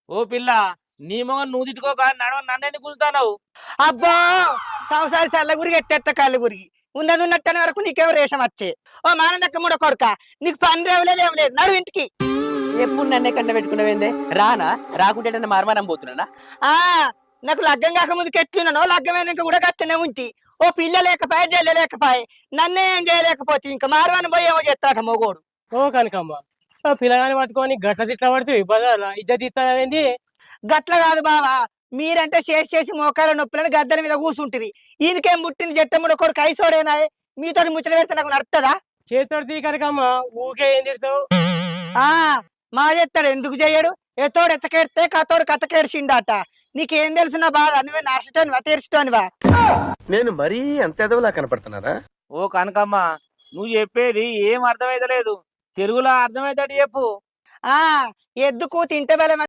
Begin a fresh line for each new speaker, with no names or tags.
ఓ పిల్ల నీ మొగ నువ్వు తిట్టుకోక నన్నెందుకు గుంజుతావు?
అబ్బా సంసారి సల్ల గురికి ఎత్తెత్త కళ్ళు గురికి ఉన్నది ఉన్నట్టనే వరకు నీకేమో రేషం వచ్చే. ఓ మానందక్క మూడో కొడుక, నీకు పని రేవలేదు ఏం లేదు, నడు ఇంటికి.
ఎప్పుడు నన్నే కంట పెట్టుకున్నావేందే? రానా? రాకుంటే మార్మానం పోతున్నానా?
ఆ నాకు లగ్గం కాక ముందుకు ఎట్లున్నానో లగ్గమైనాక కూడా గట్టనే ఉంటి. ఓ పిల్ల లేకపాయ జల్ల లేకపాయ, నన్నే ఏం చేయలేకపోతే ఇంకా మారవాని పోయి ఏమో చేస్తాట మొగోడు.
ఓ కనకమ్మ, ఆ పిల్లగాని పట్టుకొని గట్ల తిట్ల పడితే బజార్లా ఇజ్జత్ ఇస్తావేంది?
గట్ల కాదు బావా, మీరంటే చేసి చేసి మోకాల నొప్పులని గద్దల మీద కూర్చుంటిరి. ఈయనకేం పుట్టింది జట్టముడు కొడుకు ఐసోడేనా? మీతో ముచ్చట పెడితే నాకు నడుతుందా?
చేతితోటి తీ కనకమ్మ, ఊకే ఏం తిడతావు?
ఆ మా చేస్తాడు, ఎందుకు చెయ్యడు? ఎతోడు ఎత్తకెడితే కతోడు కథకేడిచిండట. నీకేం తెలిసిన బాధ? నువ్వే నాశటోనివా తీర్చటోనివా?
నేను మరీ అంత ఎదవలా కనపడుతున్నారా?
ఓ కనకమ్మ, నువ్వు చెప్పేది ఏం అర్థమైతలేదు. తెలుగులో అర్థమైతేటి చెప్పు.
ఆ ఎద్దుకు తింటే బలం